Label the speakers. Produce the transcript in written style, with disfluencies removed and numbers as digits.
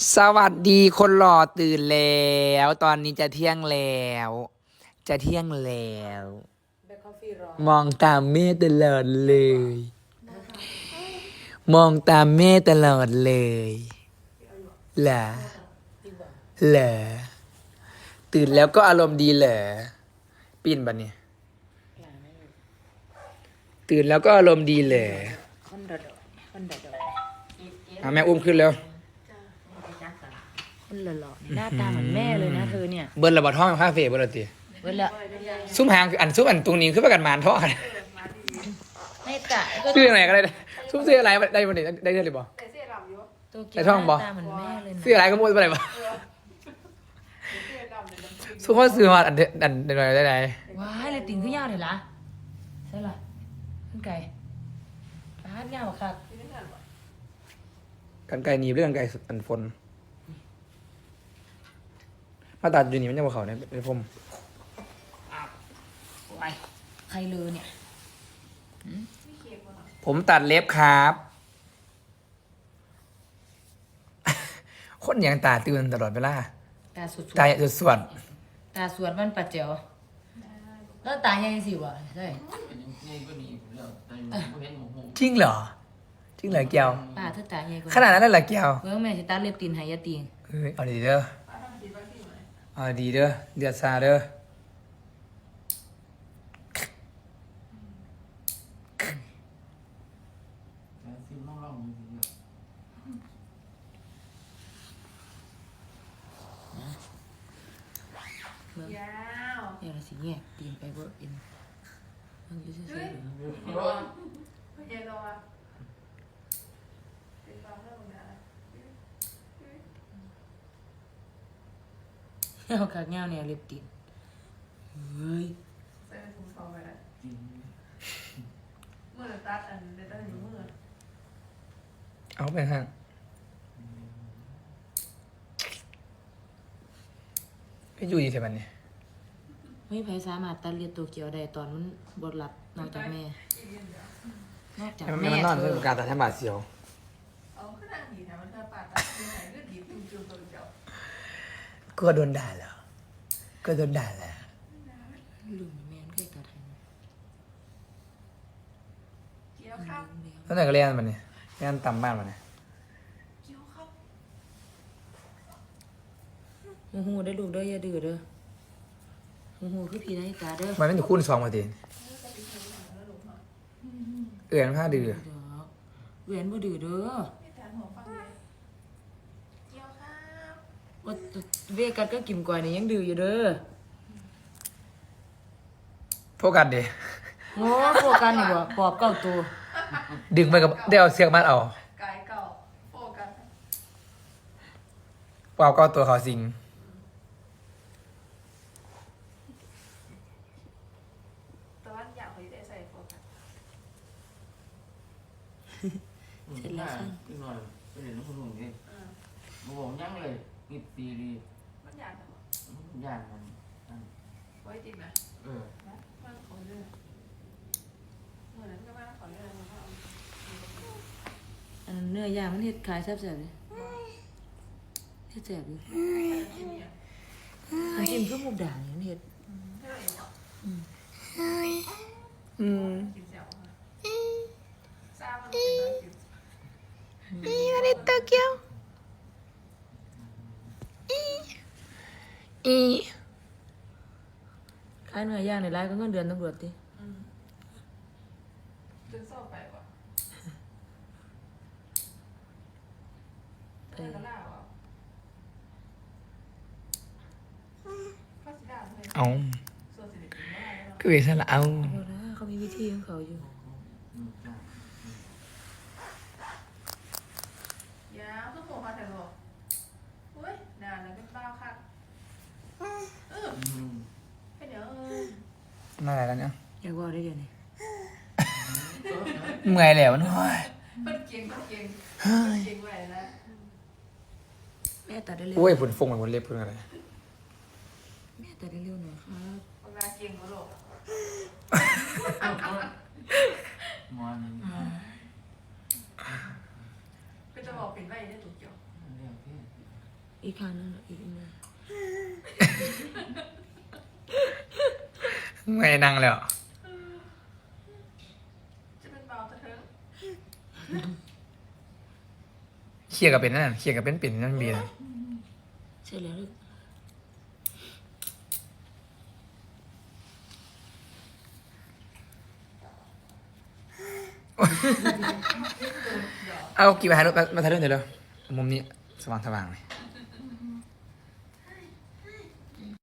Speaker 1: สวัสดีคนหล่อตื่นแล้ว ตอนนี้จะเที่ยงแล้ว จะเที่ยงแล้ว มองตามแม่ตลอดเลย มองตามแม่ตลอดเลยเหรอเหรอตื่นแล้วก็อารมณ์ดีเหรอปีนบันเนี่ยตื่นแล้วก็อารมณ์ดีเหรอแม่อุ้มขึ้นแล้ว
Speaker 2: คนหล่อๆหน้าตาเหมือนแม่เลยนะเธอเนี่ย
Speaker 1: เบิร์นระบาดท้องคาเฟ่เบิร์นละตี
Speaker 2: เวลา
Speaker 1: ซุ้มหางซุ้มอันตรงนี้คือประกันมารทอด
Speaker 2: ไม่กะ
Speaker 1: ซื้ออะไรก็ได้ซุ้มซื้ออะไรได้บ่ได้ได้เลยบ่
Speaker 2: ตัวเกี
Speaker 1: ไอ้
Speaker 2: ยว
Speaker 1: ท่อง
Speaker 2: ห
Speaker 1: บ่
Speaker 2: น้าตาเหมือนแม่เลยนะ
Speaker 1: ซื้ออะไรก็มุดไปเลยบ่ซุ้มเขาซื้อมาอันหน่อยได้ไหน
Speaker 2: ว้ายเลยติ่งขึ้นยาวเลยล่ะใช่ล่ะขึ้นไก่ปาดยาวค่ะ
Speaker 1: กันไก่หนีบเรื่องกันไก่อันฝนมาตัดอยู่นี่มันจะมาเขาเนี่ยเป็นผม
Speaker 2: ไปใครเลยเนี่ย
Speaker 1: ผมตัดเล็บครับ คนอย่างตาตื่นตลอดเวลา
Speaker 2: ตาสุด
Speaker 1: ตาสวด
Speaker 2: ตาสวดมันปัดเจียวแล้วตายังสิวะใช่
Speaker 1: จริงเหรอจริงเหรอแก้ว
Speaker 2: ป้าเธอตาใหญ่กว่า
Speaker 1: ขนาดนั้นเลยเหรอแก้ว
Speaker 2: เมื่อแม่จะตาเล็บตีนหายาตีน
Speaker 1: เฮ้ยเอาดีเด้อเอาดีเด้อเดือดซาเด้อ
Speaker 2: เมื่อเดี๋ยวเราสิแยกตีนไปเบิร์อินมันจะซื่อๆเอาขากเงาเนี่ยเล็บตีนเฮ้ย
Speaker 3: มือตัดอันเด็ดตัดอยู่มือ
Speaker 1: เอาไปห้างก็อยู่ดีเท่านั้นเนี่ย
Speaker 2: ไม่ไผสามารถตัดเลียดตัวเกียวได้ตอนมันบดหลับนอกจากแม่นอกจาก
Speaker 1: ให้มัน
Speaker 2: แม่
Speaker 1: นอน
Speaker 2: เธ
Speaker 1: เพื่
Speaker 2: อ
Speaker 1: อการตัดให้บาดเสียว
Speaker 3: เอาขึ้นนั่งดีนะมันเธอปาดตัดที่ไหนก็ดีจุ่มจุ่มตัวเจ้า
Speaker 1: ก็โดนด่าแล้วก็โดนด่าแล้ว
Speaker 2: ลุงแม่นเคยตัดให้นะ
Speaker 3: เกี่ยวข้าว
Speaker 1: ตอนไหนก็เรียนมันเนี่ยเรียนต่ำบ้านมันเนี่ย
Speaker 3: เกี่ยวข้าว
Speaker 2: โอ้โหได้ลูกเด้ออย่าดื้อเด้อโอ้โหคือพี่นาฬิกาเด้อ
Speaker 1: มันไม่ถูกคูณสองมาทีเอื่อนผ้าดื้อ
Speaker 2: เด้อเวียนบ่ดื้อเด้อ
Speaker 3: ไม่ทานหัวฟังเลยเกี่ยวข้าว
Speaker 2: ว่าเวกัดก็กิมก่อยนี่ยังดื้ออยู่เด้อ
Speaker 1: โฟกัสดิ
Speaker 2: โอ้พวกกันนี่บ่ปอบเก้าตัว
Speaker 1: ดึงไปกับได้เอาเสียกมัดเอา
Speaker 3: กายเก่าโฟกัส
Speaker 1: เปล่าก็ตัวเขาสิง
Speaker 3: ตะวันอยากให้ได้ใส่โฟกัส
Speaker 2: เสร็จแล้วค่ะ
Speaker 4: ขึ้นหน่อยไปเห็นน้องคนหนุ่มดิมาบอกยังเลยนี่ตีดี
Speaker 3: มันอยากทำ
Speaker 4: ย่านมัน
Speaker 3: ไว้จริงนะ
Speaker 4: เออ
Speaker 3: นะมันขอเรื่องเหมือนนั้นก็ว่าขอเรื่องมันก็เอา
Speaker 2: อันนั้นเนื้อย่างมันเฮ็ดขายแซ่บๆเลยเฮ็ดแซ่บอยู่อันกินเพื่อหมูด่างนี่มันเฮ็ด
Speaker 3: กินเสียวซามันเป็นร้อยกิน
Speaker 1: นี่มันโตเกียวอี
Speaker 2: ขายเนื้อย่างในร้านก็เงินเดือนตำรวจติ
Speaker 3: จนโซ่ไปว่ะ
Speaker 2: ไป
Speaker 3: ไปแล้วล่ะว่ะข้าวสีดำเลย
Speaker 1: เอา
Speaker 3: ส่วนสิริกินไม่ได้แล้ว
Speaker 1: คือเวสละเอา
Speaker 2: เอาละเขามีวิธีของเขาอยู่
Speaker 3: ยาวก็โผล่มาแต่หรอกอุ้ยนานแล้วเป็นเบ้าค่ะเป็นเดี๋ยว
Speaker 1: น่าอะไรแล้วเนี่ย
Speaker 2: อยากว่าได้เดี๋ยวนี้
Speaker 1: เมื่อยแล้วมันโอ้ย
Speaker 3: เป็นเก่งเป็นเก่งเก่งไว้แล้ว
Speaker 2: แม่ตัดได้เร็ว
Speaker 1: โอ้ยผลฟงเหมือนผลเล็บเพื่อนอะไร
Speaker 2: แม่ตัดได้เร็วหน่อยครับ
Speaker 3: เวลาเก่งก็หลบ
Speaker 4: มัน
Speaker 3: เป็นจะบอกเป็นไว้ได้ถูกเกี่ยว
Speaker 4: เรื่องที่
Speaker 2: อีกครั้งหนึงอีกนึง
Speaker 1: ไม่นั่งแล้ว
Speaker 3: จะเป็นเบาตะเทิง
Speaker 1: เคลียร์กับเป็นนั่นเคลียร์กับเป็นปิ่นนั่นเบียร์
Speaker 2: ใช่แล้วลูก
Speaker 1: เอากี่มาถ่ายรูปมาถ่ายรูปเดี๋ยวเร็วมุมนี้สว่างๆเลย